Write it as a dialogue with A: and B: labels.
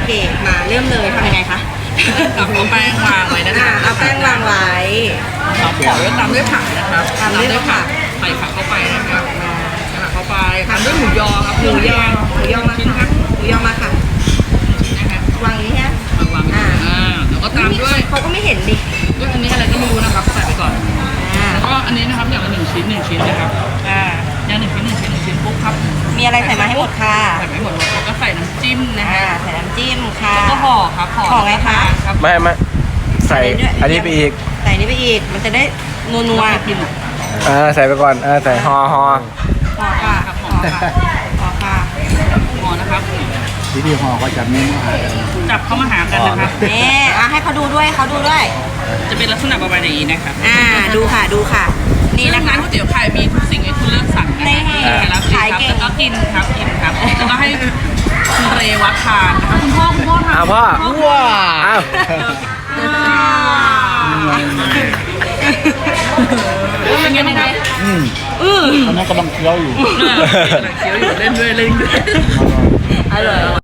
A: เคมาเริ่มเลยทำยังไงคะ
B: กับเอาแป้งวางไว้นะคะ
A: เอาแป้งวางไว้
B: ครับขอด้วยตามด้วยผักนะครับ
A: ตามด้วยผัก
B: ใส่ผักเข้าไปนะครับใส่ผักเข้าไปตามด้วยหมูยอครับ
A: หมูยอมา
B: ชิ้นครั
A: ค่ะ
B: บ
A: หมูยอมาค่ะ
B: นะครับ
A: วางอย่างนี้ฮะ
B: วางแล้วก็ตามด้วย
A: เขาก็ไม่เห็นดิ
B: อันนี้อะไรก็ไม่รู้นะครับใส่ไปก่อน
A: อ่า
B: แล้วก็อันนี้นะครับอย่างละ1 ชิ้นนะครับ
A: อ่า
B: อย่าง1 ชิ้นปุ๊บครับ
A: มีอะไรใส่มาให้หมดค่ะ
B: ใส่ไปหมดแล้วก็ใส่น้ำจิ้มนะ
A: อ่า
B: ฮะ
A: ใส่น้ำจิ้มค่ะ
B: แล้วก็ห่อครับ
A: ห่อไงคะ
B: ครับ
C: ไม่ใส่อันนี้ไปอีก
A: ใส่นี่ไปอีก มันจะได้นัว
B: นัว
A: ๆ
B: กิน
C: ใส่ไปก่อนใส่ห่อ
A: ห่อค่ะ
B: ครับห่อ
A: ห่อค่ะ
B: ห่อนะครับ
D: วิธีห่อก็จับนิ้วมาหากัน
B: จับเข้ามาหากันนะครับ
A: นี่ให้เขาดูด้วยเขาดูด้วย
B: จะเป็นลักษณะประมาณนี้นะครับ
A: ดูค่ะดูค่ะ นี่
B: นี่
A: นะ
B: นะคะ คะก๋วยเตี๋ยวไข่มีทุกสิ่งให้คุณเลือกสั่งนะ
A: นี่
B: คะแล้ว
A: ขายเก่ง
B: แล้วก็กินครับแล้วก็ให้คุณเรวัตทานนะคะคุณพ่อทาน
C: พ่อ
D: ว้า
C: อ้าว
B: เป็นไงบ้างครับ
D: ตอนนั้นกำลังเคี้ยวอยู่
B: เคี้ยวอยู่เล่นด้วย
A: อร่อย